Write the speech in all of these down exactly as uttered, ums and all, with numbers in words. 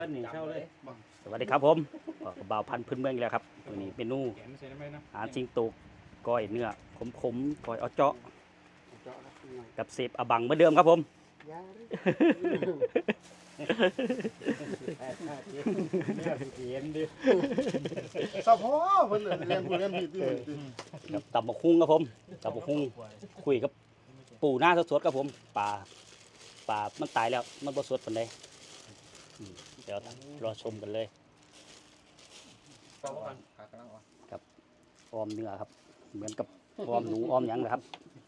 สวัสดีครับผมบ่าวพันธุ์พื้นเมืองแล้วครับตัวนี้เมนูอาหารสิงโตก้อยเนื้อขมๆก้อยเอาเจาะกับเสพอบังเหมือนเดิมครับผมสะโพกเพิ่นเรียนผู้เรียนผิดกับตับหมกคุ้งครับผมตับหมกคุ้งคุยกับปูหน้าสดๆครับผมปลาปลามันตายแล้วมันบ่สดปานใดเดี๋ยวรอชมกันเลยกับออมเนื้อครับเหมือนกับออมหนูออมหยังนะครับ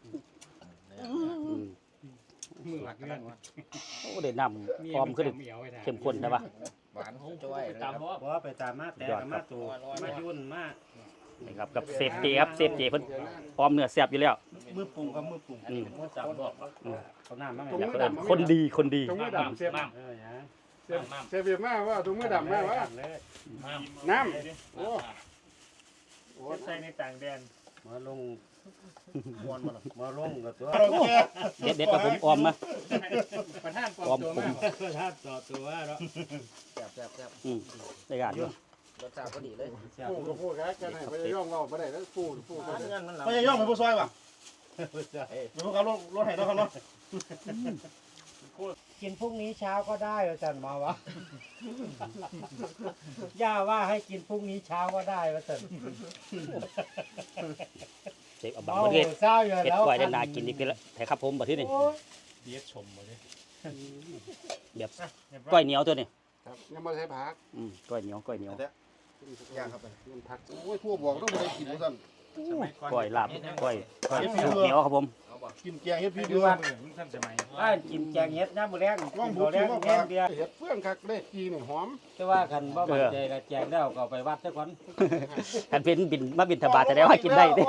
โอ้เด็ดน้ำออมขึ้นเข้มข้นนะวะหวานจ้อยตามเพราะไปตามมาแต่มาตัวมายุ่นมากนี่ครับกับเซฟเจครับเซฟเจเพิ่นออมเนื้อแซ่บอยู่แล้วมือปรุงกับมือปรุงอันนี้มือจับบอกเขาหน้ามั้งอยากเอิ้นคนดีคนดีตรงมือดำเสียบเออเสียบเสียบเบียบมาว่าตรงมือดำมาว่าน้ำโอ้โอ้ใส่ในต่างแดนมาลงมวนมามาลงกับตัวเด็ดเด็ดกับผมออมนะประธานปอมตัวมากประธานต่อตัวแล้วแซ่บแซ่บแซ่บอืมได้การอยู่รสชาติพอดีเลยปูกับปูกันกันให้พยายามว่าบ่ได้แล้วปูปูกันพยายามเป็นผู้ซอยป่ะเป็นผู้ขับรถรถไถแล้วครับเนาะกินพรุ่งนี้เช้าก็ได้อาจารย์มาวะย่าว่าให้กินพรุ่งนี้เช้าก็ได้อาจารย์เสพอบังประเทศเช้าอยู่เห็ดแล้วก้อยได้นากินอีกทีละแต่ครับผมบัดที่นี่เบียดชมมาเลยแบบก้อยเหนียวตัวนี้ครับยังบ่ใช้ผักอืมก้อยเหนียวก้อยเหนียวย่างครับมันผักโอ้ยทั่วบอกต้องบ่ได้กินซั่นก้อยลาบก้อยก้อยสูตรเหนียวครับผมกินแกงเฮ็ดพี่เดือนท่านสมัยบ้านกินแกงเห็ดน้ำบุแรงว่างบุกแรงแห้งเดียวเห็ดเฟื่องคักได้กีนี่หอมแต่ว่าคันบ่มั่นใจก็แจงแล้วก็ไปวัดซะก่อนคันเป็นบินมาบินทบาทจะได้ว่ากินได้เด้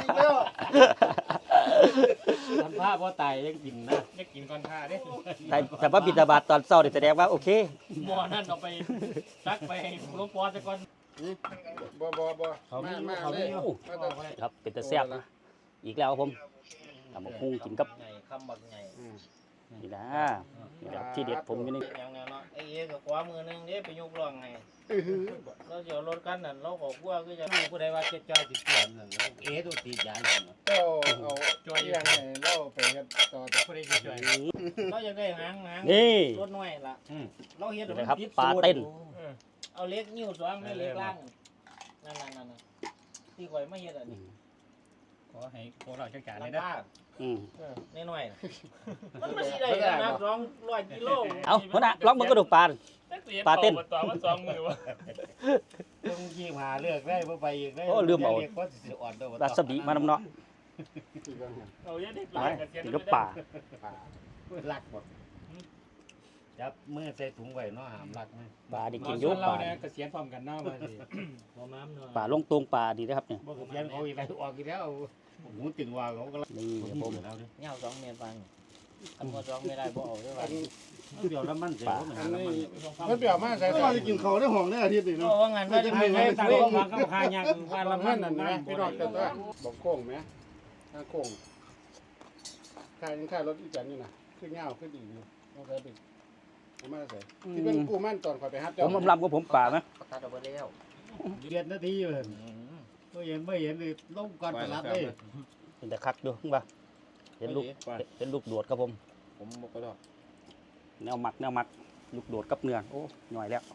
ทำผ้าบ่ตายยังกินนะยังกินก่อนท่าเด้แต่แต่ว่าบินทบาทตอนเช้านี่แสดงว่าโอเคหม้อนั่นเอาไปตักไปหลวงพ่อซะก่อนบ่บ่บ่มามาเลยครับเป็นตะแซ่บอีกแล้วครับผมทำบักหุ่งกินกับคำบักไงนี่นะนี่แหละที่เด็ดผมอยู่นี่อย่างนั้นเนาะไอ้เอ๋กับขวามือนึงเด้ไปยกร่องไงเราจะรถกันนั่นเราก็กลัวคือจะผู้ใดว่าเจ็ดจอยติดเตียนนั่นเอ๋ตัวติดยาอยู่เจ้าเอาจอยอย่างไงเราไปกันต่อแต่ผู้ใดจะจอยเราอยากได้หางหางรถน้อยล่ะเราเฮ็ดครับปลาเต้นเอาเล็กนิ้วสองไม่เล็กล่างนั่นๆๆที่ข่อยมาเฮ็ดอันนี้ขอให้พวกเราจัดการเลยนะอืมน้อยๆมันไม่ใช่ได้นะสองร้อยกิโลเอาหัวหน้าลองมันกระดูกปลาปลาเต้นตัวว่าสองมือวะต้องยี่หาเลือกได้เพื่อไปอีกได้โอ้ลืมเอาปลาสบีมานำเนาะเอาเยอะดิกินกับปลาลักหมดจับมือใส่ถุงไว้เนาะหามลักไหมปลาดิกินยุบปลาเนี่ยเกษียณพร้อมกันเนาะมาสิพร้อมน้ำเนาะปลาลงตรงปลาดีนะครับเนี่ยบ่เกษียณเขาอีกแล้วออกอีกแล้วหูตึงว่าเขาก็นี่ผมเงาสองเมตรฟังอันว่าสองไม่ได้บ่เอาด้วยว่าเดี๋ยวแล้วมันเสียมันมันเปรี้ยวมากใส่ว่าจะกินเขาได้ห้องได้อาทิตย์นี่เนาะว่างานว่าจะไม่ได้ตั้งมาเขาพายังว่าละมันนั่นนะพี่น้องแต่ว่าบอกโค้งไหมถ้าโค้งค่ายยังค่ายรถอีจันนี่นะขึ้นเงาขึ้นดีอยู่ต้องใส่เป็นมาใส่ที่เป็นกูมั่นตอนคอยไปฮัทผมลำกับผมป่าไหมตัดออกไปแล้วเดือนนาทีเลยไม่เห็นไม่เห็นเลยลงก่อนตลาดเลยเห็นแต่คักดูป่ะเห็นลูกเห็นลูกโดดครับผมผมบอกก็ได้แนวหมักแนวหมักลูกโดดกับเนื้อโอ้หน่อยแล้ว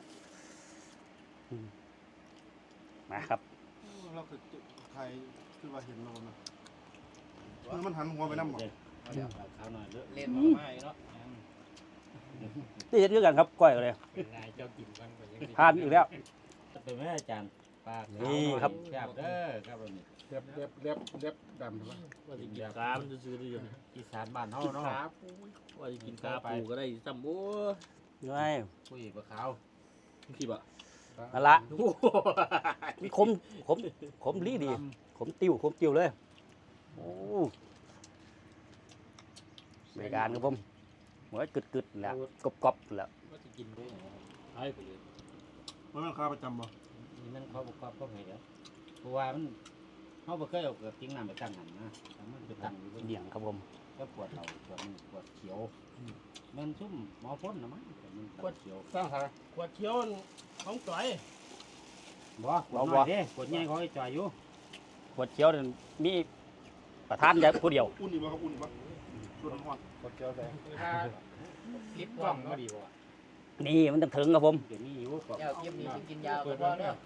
มาครับเราคือไทยคือว่าเห็นโลนะมันหันหัวไปน้ำหมดเล่นมาเนาะนี่จะเยอะกันครับก้อยเลยทานอีกแล้วเป็นแม่อาจารย์ปากนี่ครับแซ่บเด้อครับวันนี้เล็บเล็บเล็บเล็บดำถูกไหมว่าจะกินกามันจะซื้อได้ยังอีสานบ้านเฮาเนาะว่าจะกินกาปูก็ได้ซ้ำโอ้ง่ายผู้หญิงปลาขาวขี้บะนั่นละมีคมคมคมลีดีคมติ้วคมติ้วเลยโอ้บริการครับผมหัวกึดกึดแล้วกรอบกรอบแล้วว่าจะกินด้วยไอ้ไปเลยมันเป็นข้าประจำบ่นี่มันเขาบอกเขาเหรอเพราะว่ามันเขาบ่เคยเอาเกิดทิ้งน้ำไปตั้งหันนะมันไปตั้งเดี่ยงครับผมก็ปวดเราปวดปวดเขียวมันซุ่มหมอพ่นนะมั้งมันตับเขียวสร้างหาขวดเขียวของจ่อยบ่ขวดน้อยเด้ขวดใหญ่เขาให้จ่อยอยู่ขวดเขียวนั่นมีประธานอย่าผู้เดียวอุ่นอีกบ่ครับอุ่นอีกบ่ส่วนน้ำร้อนกดเจียวใส่ลิปกล้องเนาะนี่มันต้องถึงครับผมเดี๋ยวนี้อยู่ก็เจ้ากินนี่กินยาวก็พอเด้อ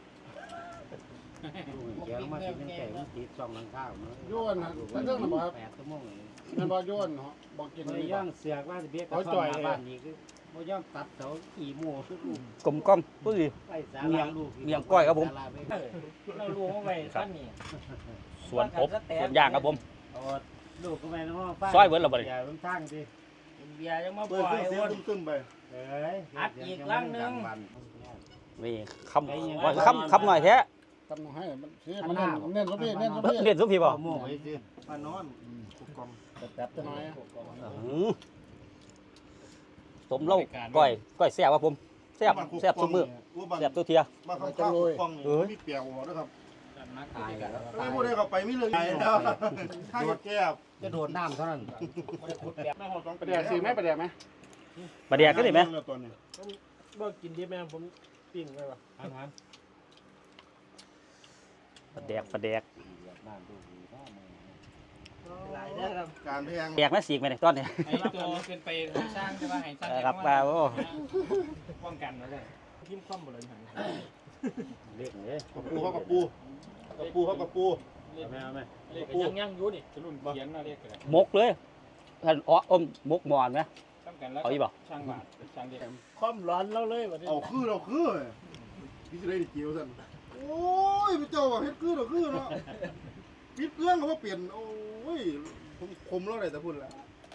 เขียวมากินตั้งแต่มันติดช่องหลังข้าวเนาะโยนนะแล้วเรื่องน่ะบ่ครับแปดชั่วโมงเลยมันบ่โยนเนาะบ่กินบ่นี่ย่าบ่งเสือกว่าสิเบียกเอาจ่อยเลยบ้านนี้คือบ่ย่างตัดเสาขี่หมู่คือลูกกลมกล้อมผู้ดีไปศาเมียลาง ลูกเมียงก้อยครับผมศาลาไปเรารู้ว่าไปสั้นนี่ส่วนอบส่วนย่างครับผมเอาลูกก็ไปในห้องฟ้าซอยเบิดแล้วบ่นี่อย่าลงทางสิเบียร์ยังมาปเปิล่ดอยเครื่องเสียวนงตึ้มๆไปเอ้ยอัดอีกครั้งหนึ่งนี่คำว่าคำคำหน่อยแท้ทำให้มันสิมันเน้นเน้นซะพี่เน้นซะพี่เรียนสุพี่บ่โม่ไว้สิมานอนกุกกองแป๊บจะน้อยอื้อสมเล่าก้อยก้อยแซ่บครับผมแซ่บแซ่บซุมื้อแซ่บตัวเทียมาข้างข้างกุกกองนี่มีเปียวหัวนะครับมาขายกันไม่พูดได้เข้าไปมีเรื่องใหญ่แล้วข้างแก้บจะโดดน้ำเท่านั้นแม่หอดสองประเดี๋ยวสิไหมประเดี๋ยวไหมปลาแดกก็ได้ไหมตัวนี้บ่กินดิบแม่ผมปิ้งไว้ว่ะอาหารปลาแดกปลาแดกบ้านดูดีพ่อแม่หลายเด้อครับการแพงแดกแม่สีกไหมเนี่ยตอนนี้ไอ้ตัวเป็นไปสร้างใช่ป่ะให้สร้างเออครับปลาโอ้ป้องกันมาเลยทิมคว่ำบ่เลยหันเรียกเลยกับปูเขากับปูกับปูเขากับปูเอาไหมเอาไหมเรียกยังยังอยู่นี่รุ่นเขียนมาเรียกกันมกเลยท่านอ๋ออมมกหมอนไหมตั้งกันแล้วเอาอีกบ่ช่างบาทช่างเดียวความร้อนเราเลยวันนี้เอาคือเราคือพี่จะได้เกี่ยวสั่นโอ้ยพระเจ้าว่าเฮ็ดคือเราคือเนาะปิดเครื่องเขาว่าเปลี่ยนโอ้ยผมคมแล้วเลยแต่พูดละ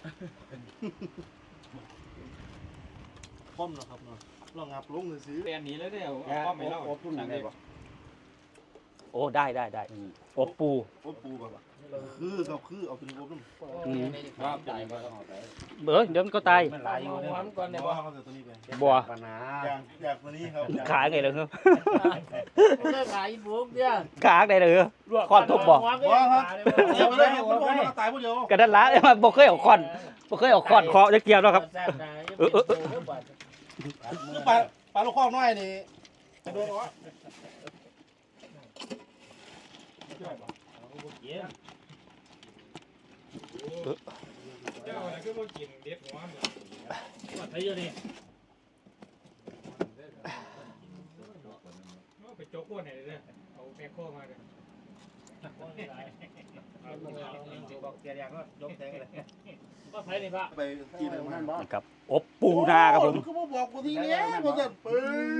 คอมเนาะครับเนาะลองงับลงเลยสิเปลี่ยนหนีแล้วเดี๋ยวแกก็ไม่เล่าอบทุ่นได้ปะโอ้ได้ได้ได้อบปูโอ้ปูแบบว่าคือกับคือเอาเป็นอบน้ำอืมครับใจก็ต้องเอาไปเบ้อเดี๋ยวมันก็ตายมันหลายอยู่มเนี่ยอนก่อนเนี่ยบ่บ่เขาจะตัวนี้ไปบัวปัญหาอย่างอย่างตัวนี้ครับขาไงเลยครับเลิกขายบุ๊กเนี่ยขาไงเลยคอนทุบบ่บ่ครับเดี๋ยวไปเลยมันบ่มันตายผู้เดียวกระดันละมันบ่เคยเอาคอนบ่เคยเอาคอนเคาะจะเกี่ยวแล้วครับ เออเออเออคือปลาปลาลูกคอกน้อยนี่โดนวะเจ้าอะไรก็มากินเด็ดหัวมันว่าไทยอยู่นี่ไปโจ๊กพวกไหนเลยเอาแมคโครมาเลยบอกเสียอย่างก็ยกแทงเลยก็ไทยนี่พระไปกินอะไรมานี่ครับอบปูนาครับผมคือบ่บอกกูทีเนี้ยบ่สั่นปื้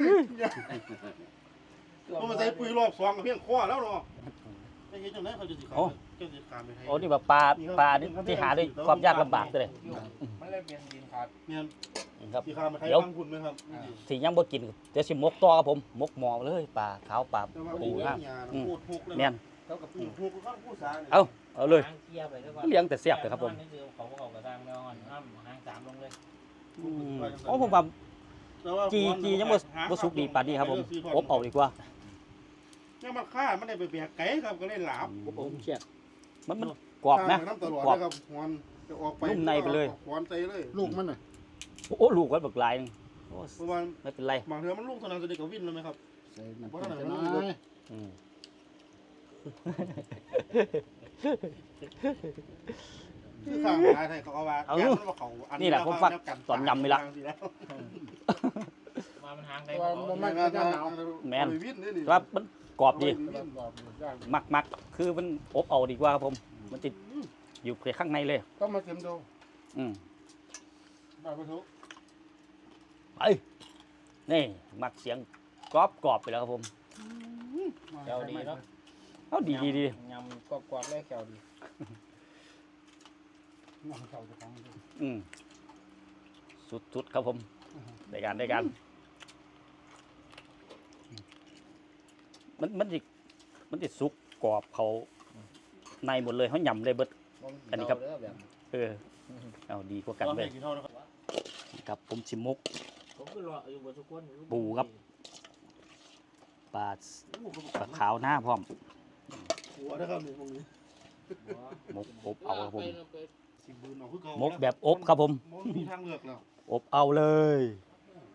อบ่มาใส่ปุ๋ยรอบสองกับเพียงคอแล้วเนาะไอ้เฮ็ดจังได๋เขาจะสิขายเจ้าสิขายไปให้โอ้นี่แบบปลาปลาที่ที่หาด้วยความยากลำบากเลยมันเลยเป็นดินขาดเนี่ยนี่ครับสิขายไปให้ฟังคุณมั้ยครับที่ยังบ่กินเดี๋ยวสิมกต่อครับผมมกหมอเลยปลาขาวปลาแต่ว่าปูปูนะนะพูดทุกเลยแม่นเท่ากับปูทุกข้างผู้สาเนี่ยเอาเอาเลยหางเกียร์ไปด้วยเลี้ยงแต่เสียบเลยครับผมนี่คือเขาเขากระด้างแมวอ่อนห้ามหางสามลงเลยอืมโอ้ผมว่าแต่ว่าจีจียังบ่บ่สุกดีปานนี้ครับผมอบเอาดีกว่ายังมันฆ่ามันได้ไปแบกไก่ครับก็เลยหลาบผมเชียมันมันกรอบนะน้ำตลอดกรอบนะครับหวนจะออกไปนุ่มในไปเลยหวนใจเลยลูกมันน่ะโอ้ลูกก็บักหลายนึงโอ้เพราะว่าไม่เป็นไรบางเทื่อมันลูกเท่านั้นจะได้กับวินแล้วไหมครับใส่น้ำตาลจะน้อยอืมคือข้างหาไทยเขาเอาว่าเอาย่านมันว่าเขาอันี่แหละผมฟังตอนยำนี่ละมามันหางได้ว่าบ่มันมันจะหนาวแม่นวินนี่นี่ว่ามันกรอบดีมันกรอบย่างมักมักคือมันอบเอาดีกว่าครับผม มันติดอยู่ข้างในเลยต้องมาชิมดูอืมบาปทุกไปนี่มักเสียงกรอบกรอบไปแล้วครับผมแถวดีเนาะเอาดีดีดียำกรอบๆเลยแถวดีน้ำเขาจะฟังดูอืมสุดสุดครับผมได้การได้การมันมันจิมันจิสุกกรอบเขาในหมดเลยเขาหยำเลยเบิด อันนี้ครับ เออเอาดีกว่ากันตอนเลแรยกกี่เท่านะครับครับผมชิมมุกผมก็รออยู่บนทุกคนปูครับ ปลาปลาขาวหน้าพร้อมหัวนะครับนี่พวกนี้มกอบเอาครับผมสิบืนเอาคือเก่ามกแบบอบครับผมมันมีทางเลือกแล้วอบเอาเลย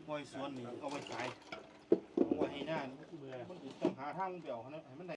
ปล่อยสวนนี่เอาไว้ขายเอาไว้ให้หน้าเบื่อมันต้องหาทางเปี่ยวให้มันได้